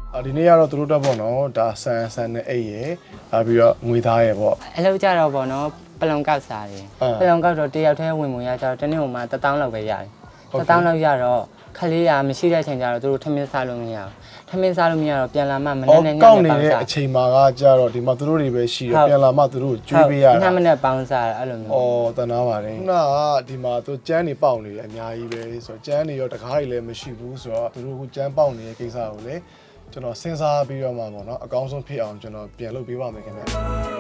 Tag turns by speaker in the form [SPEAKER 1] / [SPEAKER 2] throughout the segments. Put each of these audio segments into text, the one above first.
[SPEAKER 1] ဒီနေ့ကတော့သူတို့တက်ပေါ့နော်ဒါဆန်နဲ့အိတ်ရယ်ပြီးတော့ငွေသားရယ်ပေါ့
[SPEAKER 2] အလုပ်ကြတော့ပေါ့နော်ပလုံကောက်စားတယ်ပလုံကောက်တော့တယောက်တည်းဝင်ဝင်ရကြတော့တနေ့ဟိုမှာ1000လောက်ပဲရတယ်1000လောက်ရတော့ခလေးရမရှိတဲ့အချိန်ကျတော့သူတို့ထမင်းစားလို့မရဘူးထမင်းစားလို့မရတော့ပြန်လာမှမနေ့နဲ့ညနေပေါင်းစားကောက်နေ
[SPEAKER 1] တဲ့အချိန်မှာကကြတော့ဒီမှာသူတို့တွေပဲရှိတယ်ပြန်လာမှသူတို့ကျွေးပေးရတာ
[SPEAKER 2] ညမနဲ့ပေါင်းစားအဲ့လိုမျိုး
[SPEAKER 1] တနာပါတယ်ခုနကဒီမှာသူကျန်းနေပေါက်နေတယ်အများကြီးပဲဆိုတော့ကျန်းနေရောတကားတွေလည်းမရှိဘူးဆိုတော့သူတို့ကကျန်းပေါက်နေတဲ့ကိစ္စကိုလည်းကျွန်တော်စဉ်းစားပြီးတော့မှပေါ့နော်အကောင်းဆုံးဖြစ်အောင်ကျွန်တော်ပြန်လုပ်ပေးပါမယ်ခင်ဗျ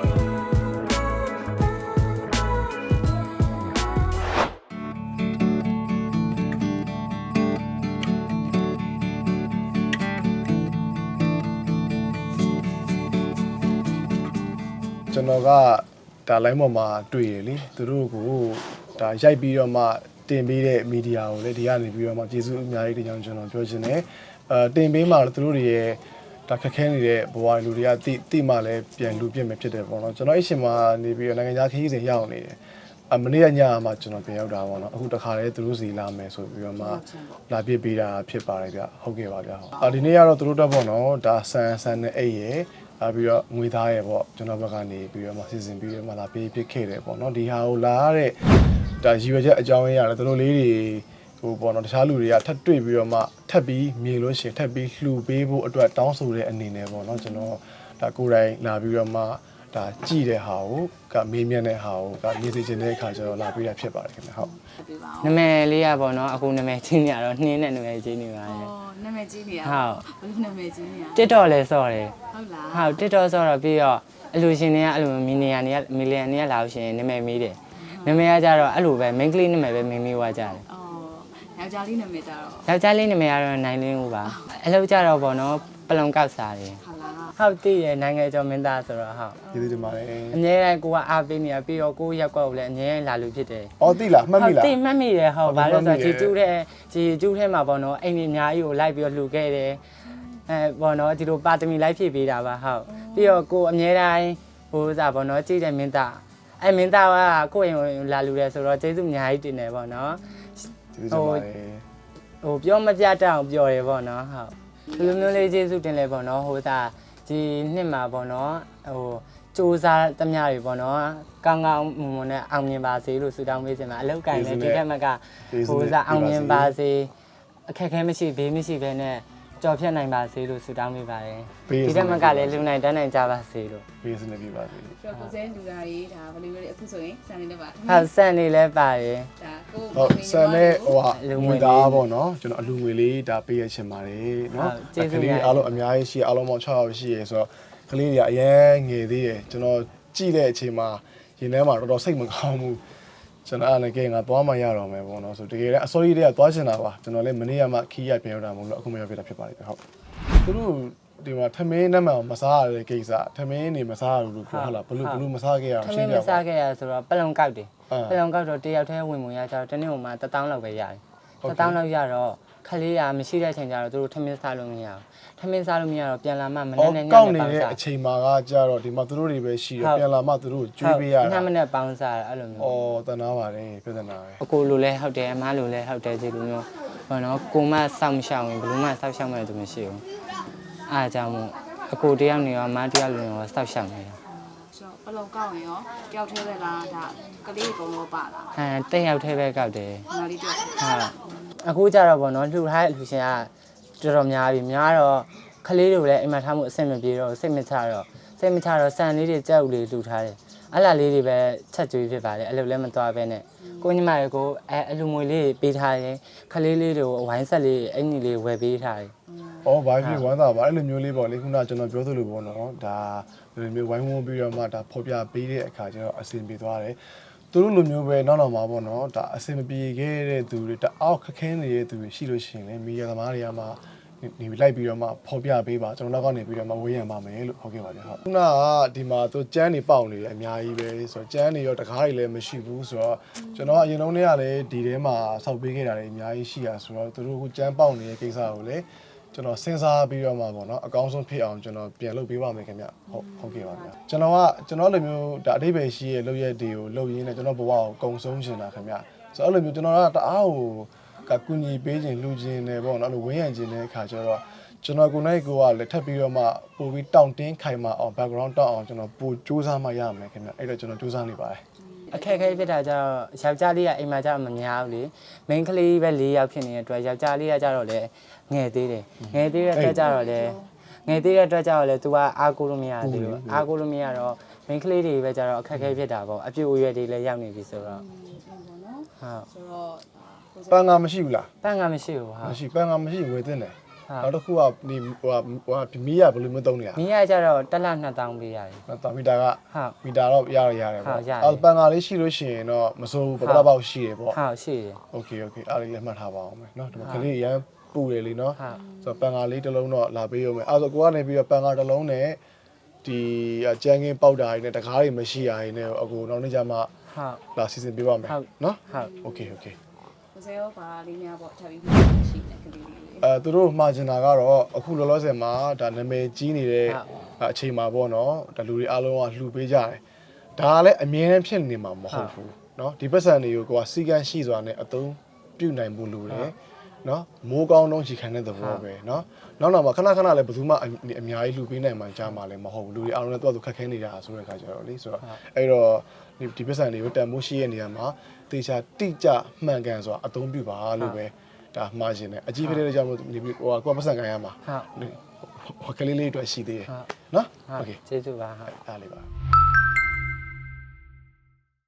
[SPEAKER 1] ကျွန်တော်ကဒါ line ပေါ်မှာတွေ့ရလေသူတို့ကိုဒါရိုက်ပြီးတော့မှတင်ပေးတဲ့မီဒီယာကိုလည်းဒီကနေပြီးတော့မှကျေးဇူးအများကြီးတင်ကြောင်းကျွန်တော်ပြောချင်တယ်တင်ပေးမှာသူတို့တွေရဲ့ဒါခက်ခဲနေတဲ့ဘဝလူတွေကတိမှလည်းပြန်လူပြစ်မယ်ဖြစ်တယ်ပေါ့နော်ကျွန်တော်အရှင်မှာနေပြီးတော့နိုင်ငံခြားခရီးစဉ်ရောက်နေတယ်မနေ့ကညမှာကျွန်တော်ပြန်ရောက်တာပေါ့နော်အခုတခါတည်းသူတို့စီလာမယ်ဆိုပြီးတော့မှလာပြစ်ပေးတာဖြစ်ပါတယ်ဗျဟုတ်ကဲ့ပါဗျဒီနေ့ကတော့သူတို့တက်ပေါ့နော်ဒါဆန်နဲ့အိတ်ရယ်ပြီးတော့ငွေသားရယ်ပေါ့ကျွန်တော်ဘက်ကနေပြီးတော့မှစီစဉ်ပြီးတော့မှလာပေးဖြစ်ခဲ့တယ်ပေါ့နော်ဒီဟာကိုလာရတဲ့ဒါရည်ရွယ်ချက်အကြောင်းရင်းရတယ်သူတို့လေးတွေဟိုပေါ့နော်တခြားလူတွေကထပ်တွေ့ပြီးတော့မှထပ်ပြီးမြင်လို့ရှိရင်ထပ်ပြီးလှူပေးဖို့အတွက်တောင်းဆိုတဲ့အနေနဲ့ပေါ့နော်ကျွန်တော်ဒါကိုယ်တိုင်လာပြီးတော့မှဒါကြည့်တဲ့ဟာကိုကမေးမြန်းတဲ့ဟာကိုကမြင်စေချင်တဲ့အခါကျတော့လာပြီးတာဖြစ်ပါတယ်ခင်ဗျဟုတ်
[SPEAKER 2] နာမည်လေးရပေါ့နော်အခုနာမည်ကြီးနေရတော့နှင်းနဲ့နာမည်ကြီးနေပါတယ်
[SPEAKER 3] နာမည်ကြီးနေရ
[SPEAKER 2] ဟုတ်
[SPEAKER 3] ဘယ်လိုနာမည်ကြီးနေရ
[SPEAKER 2] TikTok လဲဆော့တယ်
[SPEAKER 3] ဟုတ်လား
[SPEAKER 2] ဟုတ် TikTok ဆော့တော့ပြီးတော့အလူရှင်တွေကအဲ့လိုမီလီယံတွေကလာလို့ရှိရင်နာမည်မေးတယ်နာမည်ကကြတော့အဲ့လိုပဲ main ကလေးနာမည်ပဲမေးဝါကြတယ်
[SPEAKER 3] ယောက်ျားလေးနာမည်ကြတော့
[SPEAKER 2] ယောက်ျားလေးနာမည်ကတော့နိုင်လင်းဦးပါအလုပ်ကြတော့ပေါ့နော်ပလုံကောက်စားတယ်
[SPEAKER 3] ဟုတ်လား
[SPEAKER 2] ဟုတ်တည်ရနိုင်ငံကျော်မင်းသားဆိုတော့ဟုတ်
[SPEAKER 1] ကျေးဇူးတင်ပါတယ်
[SPEAKER 2] အမြဲတမ်းကိုကအားပေးနေရပြီးတော့ကိုရက်ကွက်ကိုလည်းအမြဲလာလို့ဖြစ်တယ်
[SPEAKER 1] တိလားမှတ်မိလား
[SPEAKER 2] တိမှတ်မိတယ်ဟုတ်ဘာလို့ဆိုတော့ဂျီကျူးထဲမှာပေါ့နော်အိမ်ကြီးအများကြီးကိုလိုက်ပြီးတော့လှူခဲ့တယ်ပေါ့နော်ဒီလိုပါတမီလိုက်ဖြည့်ပေးတာပါဟုတ်ပြီးတော့ကိုအမြဲတမ်းဟိုစားပေါ့နော်ကြည့်တယ်မင်းသားမင်းသားကကိုယ့်အိမ်လာလှူတယ်ဆိုတော့ကျေးဇူးအများကြီးတင်တယ်ပေါ့နော်
[SPEAKER 1] ကျေးဇူးတင်ပါတယ်
[SPEAKER 2] ဟိုပြောမပြတတ်အောင်ပြောတယ်ပေါ့နော်ဟုတ်ဒီလိုမျိုးလေးကျေးဇူးတင်လဲပေါ့နော်ဟိုစားဒီနှစ်မှာပေါ့နော်ဟိုစူးစားသမျှတွေပေါ့နော်ကောင်းကောင်းမွန်မွန်နဲ့အောင်မြင်ပါစေလို့ဆုတောင်းပေးချင်ပါအလောက်ကင်လည်းဒီထက်မှကဟိုစားအောင်မြင်ပါစေအခက်အခဲမရှိဘေးမရှိဘဲနဲ့ကြော်ဖြတ်နိုင်ပါစေလို့ဆုတောင်းပေးပါတယ်ဒီထက်မှကလည်းလူနိုင်တန်းနိုင်ကြပါစေလို့
[SPEAKER 1] ပေးစနေပြပါစေ
[SPEAKER 3] ကျော်ကိုစဲလူသားတွေဒါဘယ်လိုလဲအခုဆိုရင်စံနေလည်းပါ
[SPEAKER 2] ဟုတ်စံနေလည်းပါတယ်
[SPEAKER 3] ဒါကို
[SPEAKER 1] ဟုတ်စံနဲ့ဟိုဟာငွေသားပေါ့နော်ကျွန်တော်အလူငွေလေးဒါပေးရချင်ပါတယ်နော်ကလေးအားလုံးအများကြီးရှိအားလုံးပေါင်း6ယောက်ရှိရဆိုတော့ကလေးတွေကအရင်ငယ်သေးတယ်ကျွန်တော်ကြည့်တဲ့အချိန်မှာရင်ထဲမှာတော်တော်စိတ်မကောင်းဘူးကျွန်တော်အားလည်းကဲငါသွားမှရတော့မယ်ပေါ့နော်ဆိုတကယ်လည်းအစိုးရတွေကသွားချင်တာပါကျွန်တော်လည်းမနေ့ကမှခီးရပြန်ရောက်တာမဟုတ်လို့အခုမရောက်ပြတာဖြစ်ပါတယ်ဟုတ်သူတို့ဒီမှာထမင်းနဲ့မှမစားရတဲ့ကိစ္စထမင်းနေမစားရဘူးလို့ဟုတ်လားဘလို့မစားခဲ့ရအောင်
[SPEAKER 2] ရှင်းပြပါထမင်းမစားခဲ့ရဆိုတော့ပလုံကောက်တယ်ပလုံကောက်တော့တယောက်တည်းဝင်ရကြတော့တနေ့ဟိုမှာ1000လောက်ပဲရတယ်1000လောက်ရတော့ခလေးရမရှိတဲ့အချိန်ကျတော့သူတို့ထမင်းစားလို့မရဘူးထမင်းစားလို့မရတော့ပြန်လာမှမနေ့နဲ့ညနေပေါင်းစားကောက်
[SPEAKER 1] နေတဲ့အချိန်မှာကကြတော့ဒီမှာသူတို့တွေပဲရှိတယ်ပြန်လာမှသူတို့ကျွေးပေးရတာ
[SPEAKER 2] ညမနဲ့ပေါင်းစားအဲ့လိုမျိုး
[SPEAKER 1] တနာပါတယ်ပြဿနာပဲ
[SPEAKER 2] အကိုလိုလဲဟုတ်တယ်အမလိုလဲဟုတ်တယ်ဒီလိုမျိုးဘာနော်ကိုမစောင့်ရှောက်ရင်ဘယ်လိုမှစောင့်ရှောက်မဲ့သူမရှိဘူးအားကြောင့်မို့အကိုတယောက်နေရောအမတယောက်နေရောစောင့်ရှောက်နေတာ
[SPEAKER 3] ဆိုတော့ဘလုံကောက်ရင်ရောတယောက်သေးပဲလားဒါကလေးအကုန်လုံးပါလား
[SPEAKER 2] တက်ရောက်သေးပဲကောက်တယ်
[SPEAKER 3] ငါလေးတော့
[SPEAKER 2] ဟုတ်အခုကြတော့ဗောနော်လှူထားတဲ့လူရှင်ကတော်တော်များပြီများတော့ခလေးတွေလည်းအိမ်မှာထားမှုအဆင်မပြေတော့စိတ်မချတော့ဆန်လေးတွေကြောက်လေးလှူထားတယ်အဲ့လာလေးတွေပဲချက်ကျွေးဖြစ်ပါတယ်အဲ့လိုလည်းမသွားပဲနဲ့ကိုညီမတွေကိုအလူမွေလေးပေးထားတယ်ခလေးလေးတွေကိုဝိုင်းဆက်လေးအင်ကြီးလေးဝယ်ပေးထားတယ်
[SPEAKER 1] ဘာဖြစ်ဝမ်းသာပါအဲ့လိုမျိုးလေးပေါ့လေခုနကကျွန်တော်ပြောသလိုပေါ့နော်ဒါဒီလိုမျိုးဝိုင်းဝန်းပြီးတော့မှဒါဖော်ပြပေးတဲ့အခါကျတော့အဆင်ပြေသွားတယ်သူတို့လိုမျိုးပဲနောက်မှာပေါ့နော်ဒါအဆင်မပြေခဲ့တဲ့သူတွေတအောက်ခက်ခဲနေတဲ့သူတွေရှိလို့ရှိရင်လည်းမီဒီယာသမားတွေကမှနေလိုက်ပြီးတော့မှဖော်ပြပေးပါကျွန်တော်နောက်ကနေပြီးတော့မှဝေးရံပါမယ်လို့ဟုတ်ကဲ့ပါဗျဟုတ်ခုနကဒီမှာသူကျန်းနေပေါက်နေတယ်အများကြီးပဲဆိုတော့ကျန်းနေရောတကားတွေလည်းမရှိဘူးဆိုတော့ကျွန်တော်အရင်တုန်းကလည်းဒီထဲမှာဆောက်ပေးခဲ့တာတွေအများကြီးရှိရဆိုတော့သူတို့ကကျန်းပေါက်နေတဲ့ကိစ္စကိုလည်းကျွန်တော်စဉ်းစားပြီးတော့မှပေါ့နော်အကောင်းဆုံးဖြစ်အောင်ကျွန်တော်ပြန်လုပ်ပေးပါမယ်ခင်ဗျဟုတ်ကဲ့ပါဗျကျွန်တော်လိုမျိုးဒါအတိတ်ပဲရှိရဲ့လုပ်ရက်တွေကိုလုပ်ရင်းနဲ့ကျွန်တော်ဘဝကိုကုံဆုံးချင်တာခင်ဗျဆိုတော့အဲ့လိုမျိုးကျွန်တော်ကတအားကိုကူညီပေးခြင်းလူချင်းနဲ့ပေါ့နော်အဲ့လိုဝင်းရံခြင်းတဲ့အခါကျတော့ကျွန်တော်ကိုနိုင်ကိုကလည်းထပ်ပြီးတော့မှပို့ပြီးတောင့်တင်းခိုင်မာအောင် background တောက်အောင်ကျွန်တော်ပို့စူးစမ်းမှရမယ်ခင်ဗျအဲ့တော့ကျွန်တော်စူးစမ်းနေပါတယ်
[SPEAKER 2] အခက်အခဲဖြစ်တာကျတော့ယောက်ျားလေးကအိမ်မှာကျတော့မများဘူးလေ main ကလေးပဲ၄ယောက်ဖြစ်နေတဲ့အတွက်ယောက်ျားလေးကကျတော့လေငယ်သေးတယ်ငယ်သေးတဲ့အတွက်ကျတော့လေငယ်သေးတဲ့အတွက်ကျတော့လေ तू ကအားကိုလို့မရသေးဘူးအားကိုလို့မရတော့ main ကလေးတွေပဲကျတော့အခက်အခဲဖြစ်တာပေါ့အပြည့်အရွယ်တွေလည်းရောက်နေပြီဆိုတော့
[SPEAKER 3] ပေါ့နော်
[SPEAKER 2] ဟုတ်
[SPEAKER 3] ဆိုတော့
[SPEAKER 1] ပန်းကမရှိဘူးလား
[SPEAKER 2] ပန်းကမရှိဘူးဟာ
[SPEAKER 1] မရှိပန်းကမရှိဝယ်တင်တယ်
[SPEAKER 2] ဟုတ်
[SPEAKER 1] နောက်တစ်ခုကဒီဟိုမီးရဘယ်လိုမျိုးသုံးနေရ
[SPEAKER 2] မင်းကကျတော့တစ်လ2000ပေးရတယ်
[SPEAKER 1] တာမီတာက
[SPEAKER 2] ဟုတ်
[SPEAKER 1] မီတာတော့ရတယ်
[SPEAKER 2] ဟုတ်ရတယ်
[SPEAKER 1] ပန်းကလေးရှိလို့ရှိရင်တော့မစိုးဘူးပပပေါက်ရှိတယ်ပေါ့
[SPEAKER 2] ဟုတ်ရှိတယ်
[SPEAKER 1] โอเคအားလေးလည်းမှတ်ထားပါအောင်မယ်เนาะဒီမှာကလေးရမ်းပူတယ်လीเนาะ
[SPEAKER 2] ဟုတ်
[SPEAKER 1] ဆိုတော့ပန်ကာလေးတစ်လုံးတော့လာပေးရုံပဲအဲ့ဆိုကိုကနေပြီးတော့ပန်ကာတစ်လုံးနဲ့ဒီကြမ်းကင်းပေါက်တာတွေနဲ့တကားတွေမရှိရရင်လည်းအကူနောက်နေ့ကျမှ
[SPEAKER 2] ဟုတ်
[SPEAKER 1] လာစီစဉ်ပေးပါမယ်
[SPEAKER 2] ဟုတ်
[SPEAKER 1] เนาะ
[SPEAKER 2] ဟုတ်
[SPEAKER 1] โอเค
[SPEAKER 3] ကိုစေရောပါလေးများပေါ့ထပ်ပြီးရှိနေကလေးလေး
[SPEAKER 1] သူတို့မှာကျင်တာကတော့အခုလောလောဆယ်မှာဒါနာမည်ကြီးနေတဲ့အချိန်မှာပေါ့နော်ဒါလူတွေအားလုံးကလှူပေးကြတယ်ဒါကလည်းအမြဲတမ်းဖြစ်နေမှာမဟုတ်ဘူးเนาะဒီပတ်စံတွေကိုကိုကစီကန်းရှိစွာနဲ့အသုံးပြုနိုင်ဖို့လိုတယ်เนาะမိုးကောင်းတော့ရှိခံတဲ့သဘောပဲเนาะနောက်တော့မှခဏခဏလည်းဘယ်သူမှအများကြီးလှူပေးနိုင်မှကြားမှာလည်းမဟုတ်ဘူးလူတွေအားလုံးလည်းသူ့အတူခက်ခဲနေတာဆိုတဲ့အခါကျတော့လေဆိုတော့အဲ့တော့ဒီပတ်စံတွေကိုတန်မိုးရှိရဲ့နေရာမှာတေချာတိကျမှန်ကန်စွာအသုံးပြုပါလို့ပဲဒါမှားခြင်းနဲ့အကြီးဖြစ်တဲ့ကြောင့်မို့ဒီဟိုကိုပတ်စံခံရမှာ
[SPEAKER 2] ဟုတ်
[SPEAKER 1] ဟိုကလေးလေးအတွက်ရှိသေးတယ်
[SPEAKER 2] ဟုတ်
[SPEAKER 1] နော်
[SPEAKER 2] ဟုတ်
[SPEAKER 1] โอเค
[SPEAKER 2] ကျေးဇူးပါဟုတ်
[SPEAKER 1] အားလေးပါ